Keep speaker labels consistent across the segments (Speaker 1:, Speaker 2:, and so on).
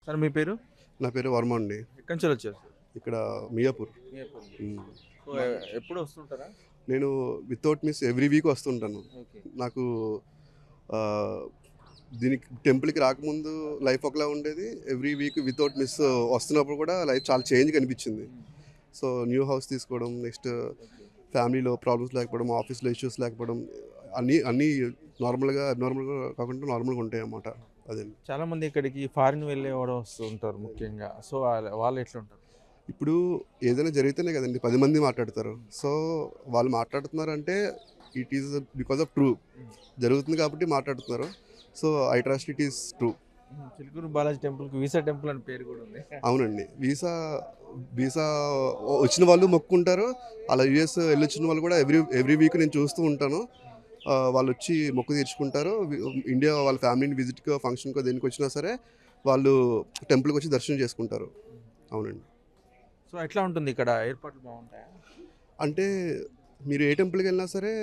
Speaker 1: Sir మీ పేరు?
Speaker 2: నా పేరు వర్మ అండి.
Speaker 1: ఎక్కడి నుంచి వచ్చారు సార్?
Speaker 2: ఇక్కడ మియాపూర్.
Speaker 1: మియాపూర్.
Speaker 2: హ్మ్.
Speaker 1: సో, ఎప్పుడు వస్తుంటారా?
Speaker 2: నేను వితౌట్ మిస్ ఎవ్రీ వీక్ వస్తుంటాను.
Speaker 1: ఓకే.
Speaker 2: నాకు ఆహ్, దీనికి టెంపుల్‌కి రాకముందు లైఫ్ ఒకలా ఉండేది. ఎవ్రీ వీక్ వితౌట్ మిస్ వస్తున్నప్పుడు కూడా లైఫ్ చాలా చేంజ్ కనిపించింది. సో, న్యూ హౌస్ తీసుకోవడం, నెక్స్ట్ ఫ్యామిలీలో ప్రాబ్లమ్స్ లేకపోవడం, ఆఫీస్‌లో ఇష్యూస్ లేకపోవడం అన్నీ అబ్నార్మల్‌గా కాకుండా నార్మల్‌గా ఉంటాయన్నమాట. అదండి.
Speaker 1: చాలా మంది ఇక్కడికి ఫారిన్ వెళ్ళేవాడు వస్తూ ఉంటారు ముఖ్యంగా. సో, వాళ్ళు ఎట్లుంటారు?
Speaker 2: ఇప్పుడు ఏదైనా జరిగితేనే కదండి 10 మంది మాట్లాడతారు. సో, వాళ్ళు మాట్లాడుతున్నారంటే it is because of true. జరుగుతుంది కాబట్టి మాట్లాడుతున్నారు. So, I trust it is true.
Speaker 1: Chilkur Balaji టెంపుల్‌కి వీసా టెంపుల్ అని పేరు కూడా ఉంది.
Speaker 2: అవునండి. వీసా వీసా వచ్చిన వాళ్ళు మొక్కుకుంటారు. అలా యూఎస్ వెళ్ళొచ్చిన వాళ్ళు కూడా ఎవ్రీ వీక్ నేను చూస్తూ ఉంటాను. వాళ్ళొచ్చి మొక్కు తీర్చుకుంటారు. ఇండియా వాళ్ళ ఫ్యామిలీని విజిట్‌కో, ఫంక్షన్‌కో దేనికి వచ్చినా సరే వాళ్ళు టెంపుల్‌కి వచ్చి దర్శనం చేసుకుంటారు. అవునండి.
Speaker 1: సో, ఎట్లా ఉంటుంది ఇక్కడ? ఏర్పాట్లు బాగుంటాయా?
Speaker 2: అంటే మీరు ఏ టెంపుల్‌కి వెళ్ళినా సరే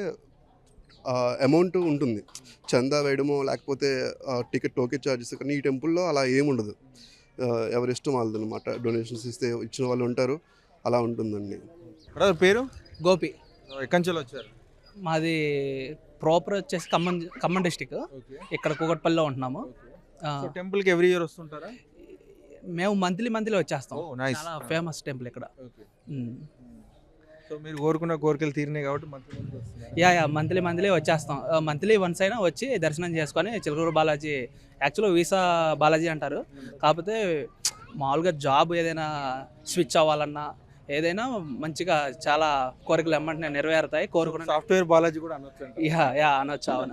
Speaker 2: అమౌంట్ ఉంటుంది. చందా వేయడమో లేకపోతే టికెట్ టోకెన్ చార్జెస్, కానీ ఈ టెంపుల్‌లో అలా ఏముండదు. ఎవరి ఇష్టం వాళ్ళదనమాట. డొనేషన్స్ ఇస్తే ఇచ్చిన వాళ్ళు ఉంటారు. అలా ఉంటుందండి.
Speaker 1: బ్రదర్ పేరు?
Speaker 3: గోపి.
Speaker 1: ఎక్కడి నుంచి వచ్చారు?
Speaker 3: మాది ప్రాపర్ వచ్చేసి ఖమ్మం డిస్టిక్.
Speaker 1: ఓకే.
Speaker 3: ఇక్కడ కూకట్పల్లిలో ఉంటున్నాము. ఆ,
Speaker 1: సో, టెంపుల్‌కి ఎవ్రీ ఇయర్ వస్తుంటారా?
Speaker 3: మేము మంత్లీ వచ్చేస్తాం.
Speaker 1: Oh, nice.
Speaker 3: చాలా ఫేమస్ టెంపుల్ ఇక్కడ.
Speaker 1: ఓకే.
Speaker 3: ఉమ్.
Speaker 1: సో, మీరు కోరుకున్న కోరికలు తీరినాయి కాబట్టి మంత్లీ వస్తున్నారు.
Speaker 3: యా మంత్లీ వచ్చేస్తాం. మంత్లీ వన్స్ అయినా వచ్చి దర్శనం చేసుకొని చిలుకూరు బాలాజీ, యాక్చువల్గా వీసా బాలాజీ అంటారు. కాకపోతే మామూలుగా జాబ్ ఏదైనా స్విచ్ అవ్వాలన్నా ఏదైనా మంచిగా చాలా కోరికలు ఎమ్మంటే నెరవేరుతాయి. కోరుకున్న
Speaker 1: సాఫ్ట్వేర్ బాలాజీ కూడా అనొచ్చు.
Speaker 3: యా అనొచ్చు. అవును.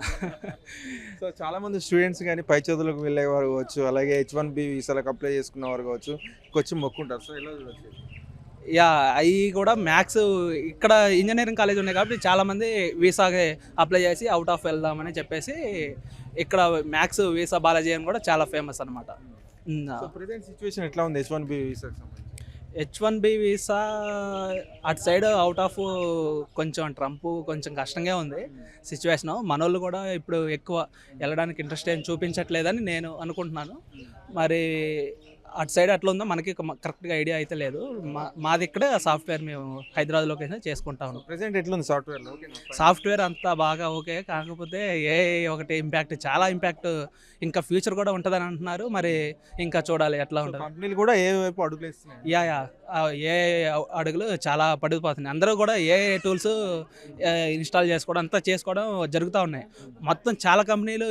Speaker 1: సో, చాలా మంది స్టూడెంట్స్ కానీ పై చదువులకు వెళ్ళేవారు కావచ్చు, అలాగే H1B వీసాలకు అప్లై చేసుకున్నవారు కావచ్చు, వచ్చి మొక్కుంటారు. సో, ఎలా చూడొచ్చు?
Speaker 3: యా అవి కూడా మ్యాథ్స్ ఇక్కడ ఇంజనీరింగ్ కాలేజ్ ఉన్నాయి కాబట్టి చాలామంది వీసాకి అప్లై చేసి అవుట్ ఆఫ్ వెళ్దామని చెప్పేసి ఇక్కడ మ్యాథ్స్ వీసా బాలాజీ అని కూడా చాలా ఫేమస్ అనమాట.
Speaker 1: సో, ప్రెజెంట్ సిచ్యువేషన్ ఎట్లా ఉంది H1B వీసాకి సంబంధించి?
Speaker 3: H1B వీసా అటు సైడ్ అవుట్ ఆఫ్ కొంచెం ట్రంప్ కొంచెం కష్టంగా ఉంది సిచ్యువేషను. మనోళ్ళు కూడా ఇప్పుడు ఎక్కువ వెళ్ళడానికి ఇంట్రెస్ట్ ఏం చూపించట్లేదని నేను అనుకుంటున్నాను. మరి అటు సైడ్ అట్లా ఉందో మనకి కరెక్ట్గా ఐడియా అయితే లేదు. మాది ఇక్కడే సాఫ్ట్వేర్ మేము హైదరాబాద్లోకి అయితే చేసుకుంటాము.
Speaker 1: ప్రెజెంట్ ఎట్లుంది సాఫ్ట్వేర్లో?
Speaker 3: సాఫ్ట్వేర్ అంతా బాగా ఓకే, కాకపోతే ఒకటి చాలా ఇంపాక్ట్ ఇంకా ఫ్యూచర్ కూడా ఉంటుందని అంటున్నారు. మరి ఇంకా చూడాలి ఎట్లా ఉంటుంది.
Speaker 1: కంపెనీలు కూడా ఏ వైపు అడుగులు వేస్తున్నాయి?
Speaker 3: యా ఏ అడుగులు చాలా పడిపోతున్నాయి. అందరూ కూడా ఏ టూల్స్ ఇన్స్టాల్ చేసుకోవడం అంతా చేసుకోవడం జరుగుతూ ఉన్నాయి. మొత్తం చాలా కంపెనీలు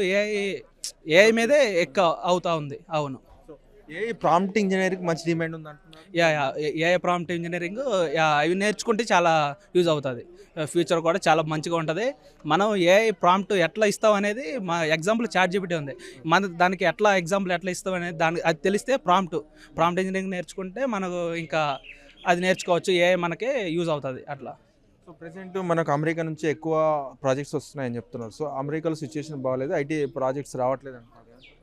Speaker 3: ఏ మీదే ఎక్కువ అవుతూ ఉంది. అవును.
Speaker 1: ఏ ప్రాంప్ట్ ఇంజనీరింగ్ మంచి డిమాండ్ ఉంది అంటున్నారు.
Speaker 3: ఏ ప్రాంప్ట్ ఇంజనీరింగ్ అవి నేర్చుకుంటే చాలా యూజ్ అవుతుంది. ఫ్యూచర్ కూడా చాలా మంచిగా ఉంటుంది. మనం ఏ ప్రాంప్ట్ ఎట్లా ఇస్తాం అనేది మా ఎగ్జాంపుల్ ChatGPT ఉంది. మన దానికి ఎగ్జాంపుల్ ఎట్లా ఇస్తాం అనేది అది తెలిస్తే ప్రాంప్ట్ ఇంజనీరింగ్ నేర్చుకుంటే మనకు ఇంకా అది నేర్చుకోవచ్చు. మనకే యూజ్ అవుతుంది అట్లా.
Speaker 1: సో, ప్రెసెంట్ మనకు అమెరికా నుంచి ఎక్కువ ప్రాజెక్ట్స్ వస్తున్నాయని చెప్తున్నారు. సో, అమెరికాలో సిచ్యువేషన్ బాగాలేదు, ఐటీ ప్రాజెక్ట్స్ రావట్లేదు అంటున్నారు.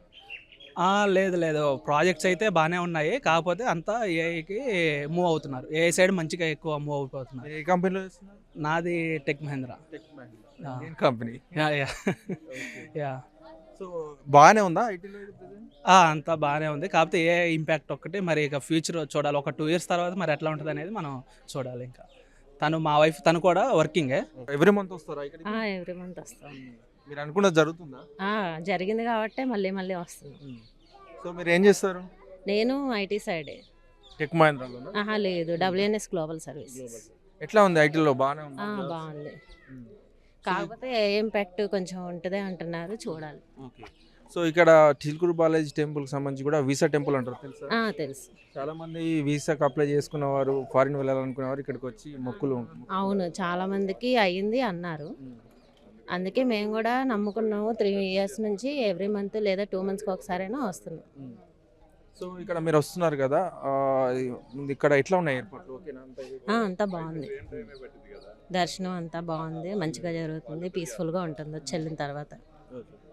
Speaker 3: లేదు ప్రాజెక్ట్స్ అయితే బాగానే ఉన్నాయి. కాకపోతే అంతా ఏఐకి మూవ్ అవుతున్నారు. ఏఐ సైడ్ మంచిగా ఎక్కువ మూవ్ అయిపోతున్నారు.
Speaker 1: ఏ కంపెనీలో చేస్తున్నారు?
Speaker 3: నాది టెక్ మహేంద్ర.
Speaker 1: ఏం కంపెనీ?
Speaker 3: యా
Speaker 1: సో, బాగానే ఉందా ఐటీలో?
Speaker 3: అంతా బాగానే ఉంది. కాకపోతే ఏ ఇంపాక్ట్ ఒక్కటి మరి ఇక ఫ్యూచర్ చూడాలి. ఒక 2 years తర్వాత మరి ఎట్లా ఉంటుంది అనేది మనం చూడాలి. ఇంకా మా వైఫ్ తను కూడా వర్కింగే.
Speaker 1: ఎవ్రీ మంత్ వస్తారా ఇక్కడికి?
Speaker 4: ఎవ్రీ మంత్ వస్తాం.
Speaker 1: మీరు అనుకున్నది జరుగుతుందా?
Speaker 4: జరిగింది కాబట్టి మళ్ళీ వస్తున్నాం.
Speaker 1: సో, మీరు ఏం చేస్తారు?
Speaker 4: నేను ఐటీ సైడే.
Speaker 1: టెక్ మహేంద్రలోనా?
Speaker 4: లేదు, WNS గ్లోబల్ సర్వీస్.
Speaker 1: ఎట్లా ఉంది ఐటీలో? బాగానే ఉంది.
Speaker 4: బాగుంది. కాకపోతే ఏ ఇంపాక్ట్ కొంచెం ఉంటుంది అంటున్నారు, చూడాలి.
Speaker 1: ఓకే. సో, ఇక్కడ చిలుకూరు బాలాజీ టెంపుల్కి సంబంధించి కూడా వీసా టెంపుల్ అంటారు, తెలుసా?
Speaker 4: తెలుసు.
Speaker 1: చాలా మంది వీసాకి అప్లై చేసుకున్నవారు, ఫారిన్ వెళ్ళాలనుకునేవారు ఇక్కడికి వచ్చి మొక్కులు.
Speaker 4: అవును, చాలా మందికి అయ్యింది అన్నారు. అందుకే మేము కూడా నమ్ముకున్నాము. 3 years నుంచి ఎవ్రీ మంత్ లేదా 2 monthsకి ఒకసారైనా వస్తున్నాం.
Speaker 1: సో, ఇక్కడ మీరు వస్తున్నారు కదా, ఇక్కడ ఎట్లా ఉన్నాయి ఏర్పాట్లు? ఓకేనా?
Speaker 4: అంతా బాగుంది. దర్శనం అంతా బాగుంది, మంచిగా జరుగుతుంది, పీస్ఫుల్గా ఉంటుంది వచ్చి వెళ్ళిన తర్వాత.